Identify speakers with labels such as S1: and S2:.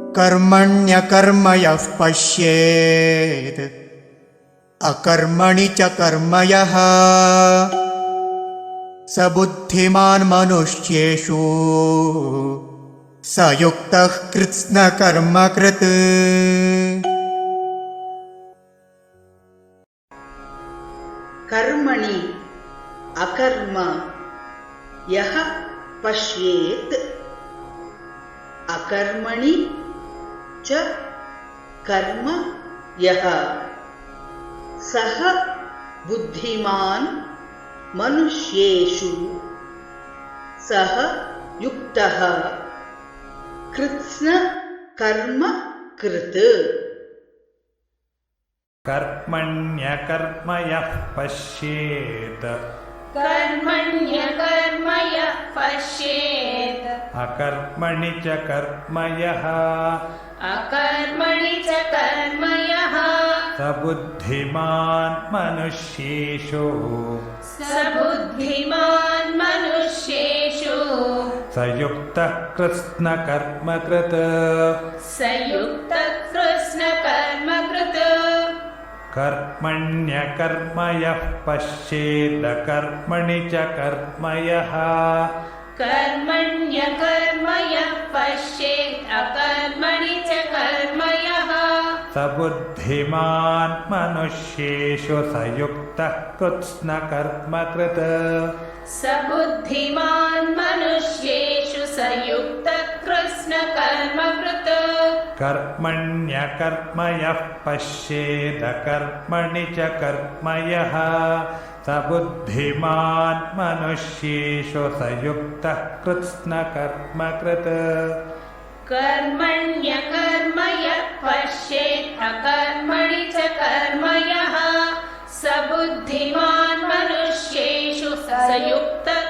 S1: कर्मण्यकर्म यः पश्येत् अकर्मणि च कर्म यः स बुद्धिमान् मनुष्येषु स युक्तः कृत्स्नकर्मकृत्।
S2: कर्मणि अकर्म यः पश्येत् अकर्मणि च कर्म यः सः बुद्धिमान् मनुष्येषु सः युक्तः कृत्स्नकर्मकृत्।
S3: कर्मण्यकर्म यः पश्येत्
S4: कर्मण्यकर्म यः पश्येत्
S3: अकर्मणि च कर्म यः
S4: अकर्मणि च कर्म यः
S3: स बुद्धिमान् मनुष्येषु
S4: स बुद्धिमान् मनुष्येषु
S3: स युक्तः कृत्स्नकर्मकृत्।
S4: स युक्तः कृत्स्नकर्मकृत्।
S3: कर्मण्यकर्म यः पश्येदकर्मणि च कर्म यः
S4: कर्मण्यकर्म यः पश्येत् अकर्मणि च कर्म यः
S3: स बुद्धिमान् मनुष्येषु स युक्तः कृत्स्नकर्मकृत्।
S4: स बुद्धिमान् मनुष्येषु स युक्तः कृत्स्नकर्मकृत्।
S3: कर्मण्यकर्म यः पश्येदकर्मणि च कर्म यः स बुद्धिमान् मनुष्येषु स युक्तः कृत्स्नकर्मकृत्।
S4: कर्मण्यकर्म यः पश्येत् अकर्मणि च कर्म यः स बुद्धिमान् मनुष्येषु स युक्तः